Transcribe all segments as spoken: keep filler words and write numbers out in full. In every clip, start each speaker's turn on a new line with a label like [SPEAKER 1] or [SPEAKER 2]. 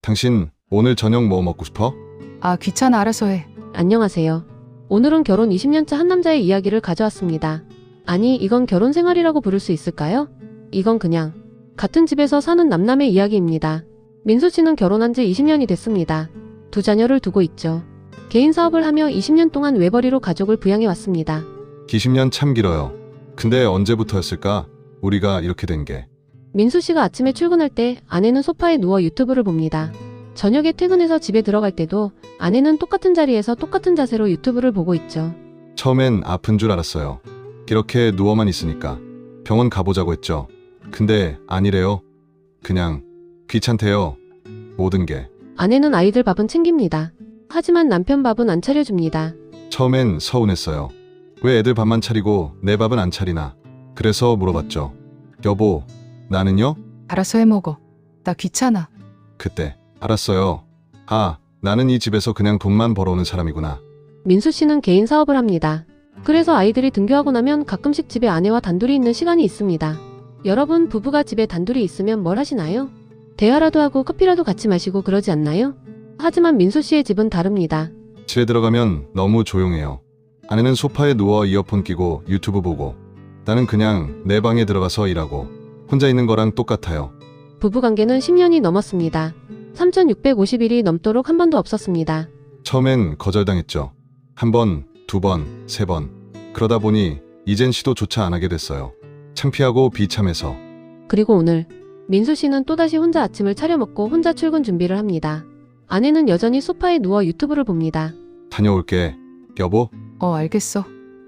[SPEAKER 1] 당신 오늘 저녁 뭐 먹고 싶어?
[SPEAKER 2] 아, 귀찮아. 알아서 해.
[SPEAKER 3] 안녕하세요. 오늘은 결혼 이십 년차 한 남자의 이야기를 가져왔습니다. 아니, 이건 결혼 생활이라고 부를 수 있을까요? 이건 그냥 같은 집에서 사는 남남의 이야기입니다. 민수 씨는 결혼한 지 이십 년이 됐습니다. 두 자녀를 두고 있죠. 개인 사업을 하며 이십 년 동안 외벌이로 가족을 부양해 왔습니다.
[SPEAKER 1] 이십 년 참 길어요. 근데 언제부터였을까? 우리가 이렇게 된 게.
[SPEAKER 3] 민수 씨가 아침에 출근할 때 아내는 소파에 누워 유튜브를 봅니다. 저녁에 퇴근해서 집에 들어갈 때도 아내는 똑같은 자리에서 똑같은 자세로 유튜브를 보고 있죠.
[SPEAKER 1] 처음엔 아픈 줄 알았어요. 이렇게 누워만 있으니까. 병원 가보자고 했죠. 근데 아니래요. 그냥 귀찮대요. 모든 게.
[SPEAKER 3] 아내는 아이들 밥은 챙깁니다. 하지만 남편 밥은 안 차려줍니다.
[SPEAKER 1] 처음엔 서운했어요. 왜 애들 밥만 차리고 내 밥은 안 차리나. 그래서 물어봤죠. 여보, 나는요?
[SPEAKER 2] 알아서 해 먹어. 나 귀찮아.
[SPEAKER 1] 그때 알았어요. 아, 나는 이 집에서 그냥 돈만 벌어오는 사람이구나.
[SPEAKER 3] 민수 씨는 개인 사업을 합니다. 그래서 아이들이 등교하고 나면 가끔씩 집에 아내와 단둘이 있는 시간이 있습니다. 여러분, 부부가 집에 단둘이 있으면 뭘 하시나요? 대화라도 하고 커피라도 같이 마시고 그러지 않나요? 하지만 민수 씨의 집은 다릅니다.
[SPEAKER 1] 집에 들어가면 너무 조용해요. 아내는 소파에 누워 이어폰 끼고 유튜브 보고, 나는 그냥 내 방에 들어가서 일하고 혼자 있는 거랑 똑같아요.
[SPEAKER 3] 부부관계는 십 년이 넘었습니다. 삼천육백오십 일이 넘도록 한 번도 없었습니다.
[SPEAKER 1] 처음엔 거절당했죠. 한 번, 두 번, 세 번. 그러다 보니 이젠 시도조차 안 하게 됐어요. 창피하고 비참해서.
[SPEAKER 3] 그리고 오늘 민수 씨는 또다시 혼자 아침을 차려 먹고 혼자 출근 준비를 합니다. 아내는 여전히 소파에 누워 유튜브를 봅니다.
[SPEAKER 1] 다녀올게. 여보,
[SPEAKER 2] 어, 알겠어.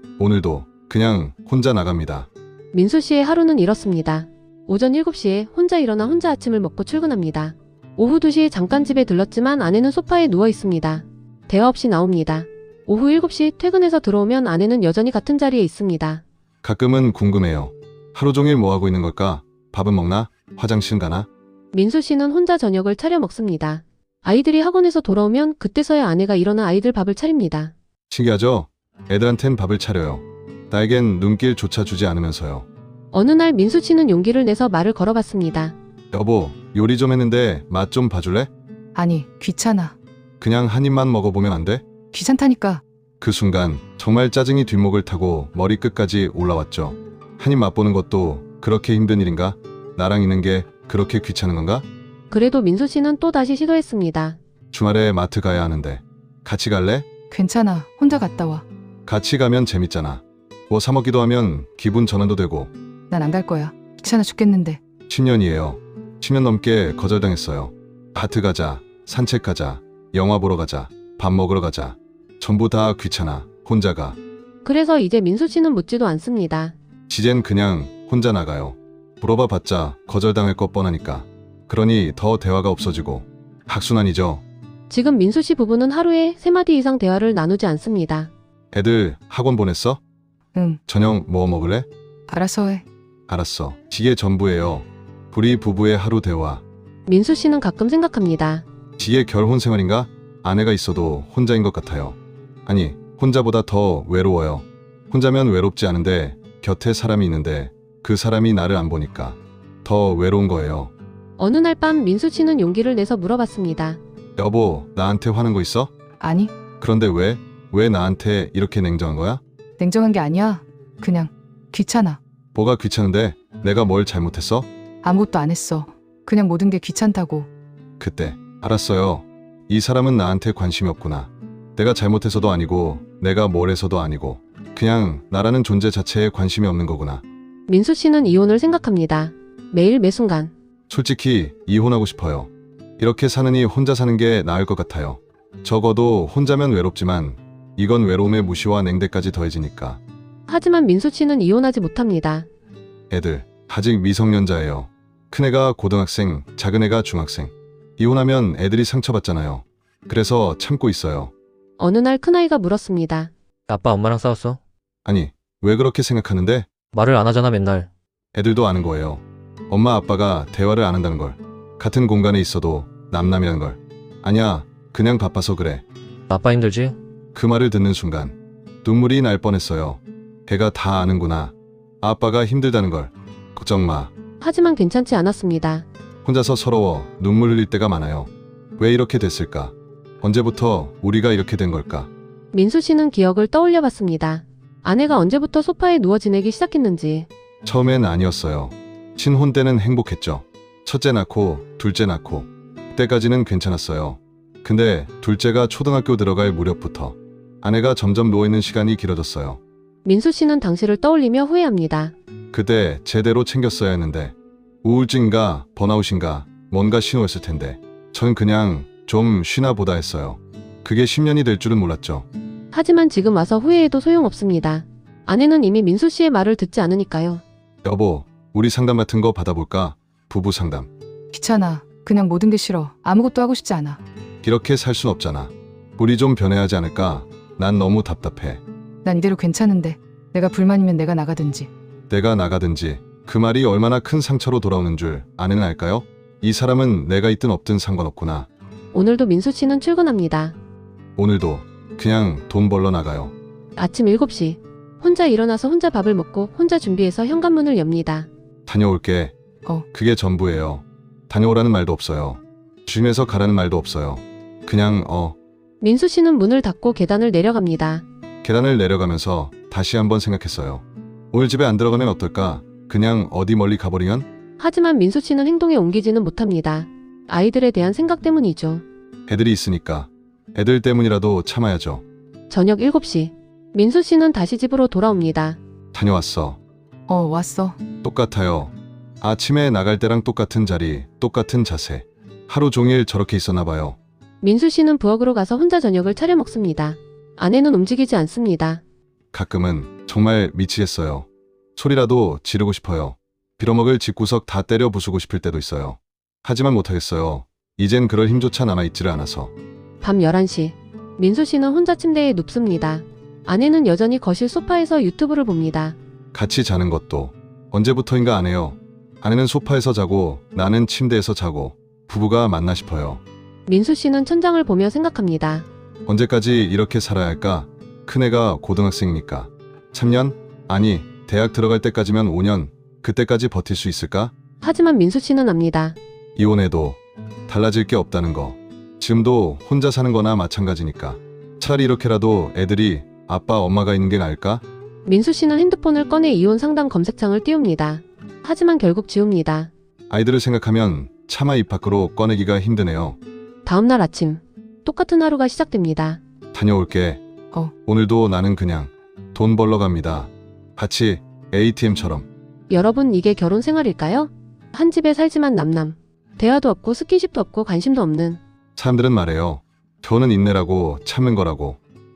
[SPEAKER 1] 오늘도 그냥 혼자 나갑니다.
[SPEAKER 3] 민수 씨의 하루는 이렇습니다. 오전 일곱 시에 혼자 일어나 혼자 아침을 먹고 출근합니다. 오후 두 시에 잠깐 집에 들렀지만 아내는 소파에 누워 있습니다. 대화 없이 나옵니다. 오후 일곱 시 퇴근해서 들어오면 아내는 여전히 같은 자리에 있습니다.
[SPEAKER 1] 가끔은 궁금해요. 하루 종일 뭐 하고 있는 걸까? 밥은 먹나? 화장실 가나?
[SPEAKER 3] 민수 씨는 혼자 저녁을 차려 먹습니다. 아이들이 학원에서 돌아오면 그때서야 아내가 일어나 아이들 밥을 차립니다.
[SPEAKER 1] 신기하죠? 애들한텐 밥을 차려요. 나에겐 눈길조차 주지 않으면서요.
[SPEAKER 3] 어느 날 민수 씨는 용기를 내서 말을 걸어봤습니다.
[SPEAKER 1] 여보, 요리 좀 했는데 맛 좀 봐줄래?
[SPEAKER 2] 아니, 귀찮아.
[SPEAKER 1] 그냥 한 입만 먹어보면 안 돼?
[SPEAKER 2] 귀찮다니까.
[SPEAKER 1] 그 순간 정말 짜증이 뒷목을 타고 머리끝까지 올라왔죠. 한 입 맛보는 것도 그렇게 힘든 일인가? 나랑 있는 게 그렇게 귀찮은 건가?
[SPEAKER 3] 그래도 민수 씨는 또 다시 시도했습니다.
[SPEAKER 1] 주말에 마트 가야 하는데 같이 갈래?
[SPEAKER 2] 괜찮아. 혼자 갔다 와.
[SPEAKER 1] 같이 가면 재밌잖아. 뭐 사 먹기도 하면 기분 전환도 되고.
[SPEAKER 2] 난 안 갈 거야. 귀찮아 죽겠는데.
[SPEAKER 1] 십 년이에요. 십 년 넘게 거절당했어요. 마트 가자, 산책 가자, 영화 보러 가자, 밥 먹으러 가자. 전부 다 귀찮아. 혼자 가.
[SPEAKER 3] 그래서 이제 민수 씨는 묻지도 않습니다.
[SPEAKER 1] 지젠 그냥 혼자 나가요. 물어봐 봤자 거절당할 것 뻔하니까. 그러니 더 대화가 없어지고. 악순환이죠.
[SPEAKER 3] 지금 민수 씨 부부는 하루에 세 마디 이상 대화를 나누지 않습니다.
[SPEAKER 1] 애들 학원 보냈어?
[SPEAKER 2] 응,
[SPEAKER 1] 저녁 뭐 먹을래?
[SPEAKER 2] 알아서 해.
[SPEAKER 1] 알았어. 이게 전부예요. 우리 부부의 하루 대화.
[SPEAKER 3] 민수 씨는 가끔 생각합니다.
[SPEAKER 1] 지의 결혼 생활인가? 아내가 있어도 혼자인 것 같아요. 아니, 혼자보다 더 외로워요. 혼자면 외롭지 않은데 곁에 사람이 있는데 그 사람이 나를 안 보니까 더 외로운 거예요.
[SPEAKER 3] 어느 날 밤 민수 씨는 용기를 내서 물어봤습니다.
[SPEAKER 1] 여보, 나한테 화난 거 있어?
[SPEAKER 2] 아니,
[SPEAKER 1] 그런데 왜? 왜 나한테 이렇게 냉정한 거야?
[SPEAKER 2] 냉정한 게 아니야. 그냥 귀찮아.
[SPEAKER 1] 뭐가 귀찮은데? 내가 뭘 잘못했어?
[SPEAKER 2] 아무것도 안 했어. 그냥 모든 게 귀찮다고.
[SPEAKER 1] 그때 알았어요. 이 사람은 나한테 관심이 없구나. 내가 잘못해서도 아니고 내가 뭘 해서도 아니고 그냥 나라는 존재 자체에 관심이 없는 거구나.
[SPEAKER 3] 민수 씨는 이혼을 생각합니다. 매일 매순간.
[SPEAKER 1] 솔직히 이혼하고 싶어요. 이렇게 사느니 혼자 사는 게 나을 것 같아요. 적어도 혼자면 외롭지만 이건 외로움의 무시와 냉대까지 더해지니까.
[SPEAKER 3] 하지만 민수 씨는 이혼하지 못합니다.
[SPEAKER 1] 애들 아직 미성년자예요. 큰애가 고등학생, 작은애가 중학생. 이혼하면 애들이 상처받잖아요. 그래서 참고 있어요.
[SPEAKER 3] 어느 날 큰아이가 물었습니다.
[SPEAKER 4] 아빠 엄마랑 싸웠어?
[SPEAKER 1] 아니, 왜 그렇게 생각하는데?
[SPEAKER 4] 말을 안 하잖아 맨날.
[SPEAKER 1] 애들도 아는 거예요. 엄마 아빠가 대화를 안 한다는 걸. 같은 공간에 있어도 남남이라는 걸. 아니야, 그냥 바빠서 그래.
[SPEAKER 4] 아빠 힘들지?
[SPEAKER 1] 그 말을 듣는 순간 눈물이 날 뻔했어요. 애가 다 아는구나. 아빠가 힘들다는 걸. 걱정 마.
[SPEAKER 3] 하지만 괜찮지 않았습니다.
[SPEAKER 1] 혼자서 서러워 눈물 흘릴 때가 많아요. 왜 이렇게 됐을까? 언제부터 우리가 이렇게 된 걸까?
[SPEAKER 3] 민수 씨는 기억을 떠올려 봤습니다. 아내가 언제부터 소파에 누워 지내기 시작했는지.
[SPEAKER 1] 처음엔 아니었어요. 신혼 때는 행복했죠. 첫째 낳고 둘째 낳고 그때까지는 괜찮았어요. 근데 둘째가 초등학교 들어갈 무렵부터 아내가 점점 누워있는 시간이 길어졌어요.
[SPEAKER 3] 민수 씨는 당시를 떠올리며 후회합니다.
[SPEAKER 1] 그때 제대로 챙겼어야 했는데 우울증인가 번아웃인가 뭔가 신호였을 텐데 전 그냥 좀 쉬나 보다 했어요. 그게 십 년이 될 줄은 몰랐죠.
[SPEAKER 3] 하지만 지금 와서 후회해도 소용없습니다. 아내는 이미 민수 씨의 말을 듣지 않으니까요.
[SPEAKER 1] 여보, 우리 상담 같은 거 받아볼까? 부부 상담.
[SPEAKER 2] 귀찮아. 그냥 모든 게 싫어. 아무것도 하고 싶지 않아.
[SPEAKER 1] 이렇게 살 순 없잖아. 우리 좀 변해야 하지 않을까? 난 너무 답답해.
[SPEAKER 2] 난 이대로 괜찮은데. 내가 불만이면 내가 나가든지.
[SPEAKER 1] 내가 나가든지. 그 말이 얼마나 큰 상처로 돌아오는 줄 아내는 알까요? 이 사람은 내가 있든 없든 상관없구나.
[SPEAKER 3] 오늘도 민수 씨는 출근합니다.
[SPEAKER 1] 오늘도 그냥 돈 벌러 나가요.
[SPEAKER 3] 아침 일곱 시. 혼자 일어나서 혼자 밥을 먹고 혼자 준비해서 현관문을 엽니다.
[SPEAKER 1] 다녀올게.
[SPEAKER 2] 어.
[SPEAKER 1] 그게 전부예요. 다녀오라는 말도 없어요. 주임에서 가라는 말도 없어요. 그냥 어.
[SPEAKER 3] 민수 씨는 문을 닫고 계단을 내려갑니다.
[SPEAKER 1] 계단을 내려가면서 다시 한번 생각했어요. 오늘 집에 안 들어가면 어떨까? 그냥 어디 멀리 가버리면?
[SPEAKER 3] 하지만 민수 씨는 행동에 옮기지는 못합니다. 아이들에 대한 생각 때문이죠.
[SPEAKER 1] 애들이 있으니까. 애들 때문이라도 참아야죠.
[SPEAKER 3] 저녁 일곱 시. 민수 씨는 다시 집으로 돌아옵니다.
[SPEAKER 1] 다녀왔어.
[SPEAKER 2] 어, 왔어.
[SPEAKER 1] 똑같아요. 아침에 나갈 때랑 똑같은 자리, 똑같은 자세. 하루 종일 저렇게 있었나 봐요.
[SPEAKER 3] 민수 씨는 부엌으로 가서 혼자 저녁을 차려 먹습니다. 아내는 움직이지 않습니다.
[SPEAKER 1] 가끔은 정말 미치겠어요. 소리라도 지르고 싶어요. 빌어먹을 집구석 다 때려 부수고 싶을 때도 있어요. 하지만 못하겠어요. 이젠 그럴 힘조차 남아있지를 않아서.
[SPEAKER 3] 밤 열한 시. 민수 씨는 혼자 침대에 눕습니다. 아내는 여전히 거실 소파에서 유튜브를 봅니다.
[SPEAKER 1] 같이 자는 것도 언제부터인가 안 해요. 아내는 소파에서 자고 나는 침대에서 자고 부부가 맞나 싶어요.
[SPEAKER 3] 민수 씨는 천장을 보며 생각합니다.
[SPEAKER 1] 언제까지 이렇게 살아야 할까? 큰애가 고등학생이니까. 삼 년? 아니, 대학 들어갈 때까지면 오 년. 그때까지 버틸 수 있을까?
[SPEAKER 3] 하지만 민수 씨는 압니다.
[SPEAKER 1] 이혼해도 달라질 게 없다는 거. 지금도 혼자 사는 거나 마찬가지니까. 차라리 이렇게라도 애들이 아빠 엄마가 있는 게 나을까?
[SPEAKER 3] 민수 씨는 핸드폰을 꺼내 이혼 상담 검색창을 띄웁니다. 하지만 결국 지웁니다.
[SPEAKER 1] 아이들을 생각하면 차마 입 밖으로 꺼내기가 힘드네요.
[SPEAKER 3] 다음날 아침. 똑같은 하루가 시작됩니다.
[SPEAKER 1] 다녀올게.
[SPEAKER 2] 어.
[SPEAKER 1] 오늘도 나는 그냥 돈 벌러 갑니다. 같이 에이티엠처럼.
[SPEAKER 3] 여러분, 이게 결혼 생활일까요? 한 집에 살지만 남남. 대화도 없고 스킨십도 없고 관심도 없는.
[SPEAKER 1] 사람들은 말해요. 결혼은 인내라고 참는 거라고.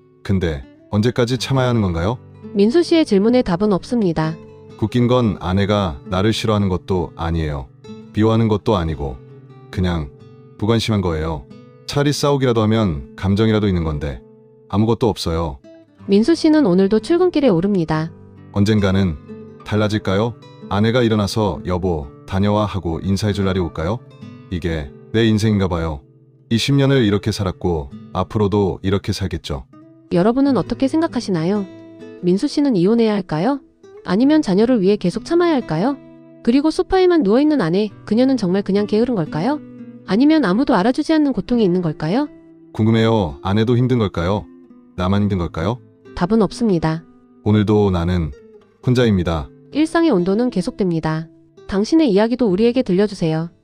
[SPEAKER 1] 근데 언제까지 참아야 하는 건가요?
[SPEAKER 3] 민수 씨의 질문에 답은 없습니다.
[SPEAKER 1] 웃긴 건 아내가 나를 싫어하는 것도 아니에요. 미워하는 것도 아니고 그냥 무관심한 거예요. 차라리 싸우기라도 하면 감정이라도 있는 건데 아무것도 없어요.
[SPEAKER 3] 민수 씨는 오늘도 출근길에 오릅니다.
[SPEAKER 1] 언젠가는 달라질까요? 아내가 일어나서 여보 다녀와 하고 인사해줄 날이 올까요? 이게 내 인생인가 봐요. 이십 년을 이렇게 살았고 앞으로도 이렇게 살겠죠.
[SPEAKER 3] 여러분은 어떻게 생각하시나요? 민수 씨는 이혼해야 할까요? 아니면 자녀를 위해 계속 참아야 할까요? 그리고 소파에만 누워있는 아내, 그녀는 정말 그냥 게으른 걸까요? 아니면 아무도 알아주지 않는 고통이 있는 걸까요?
[SPEAKER 1] 궁금해요. 아내도 힘든 걸까요? 나만 힘든 걸까요?
[SPEAKER 3] 답은 없습니다.
[SPEAKER 1] 오늘도 나는 혼자입니다.
[SPEAKER 3] 일상의 온도는 계속됩니다. 당신의 이야기도 우리에게 들려주세요.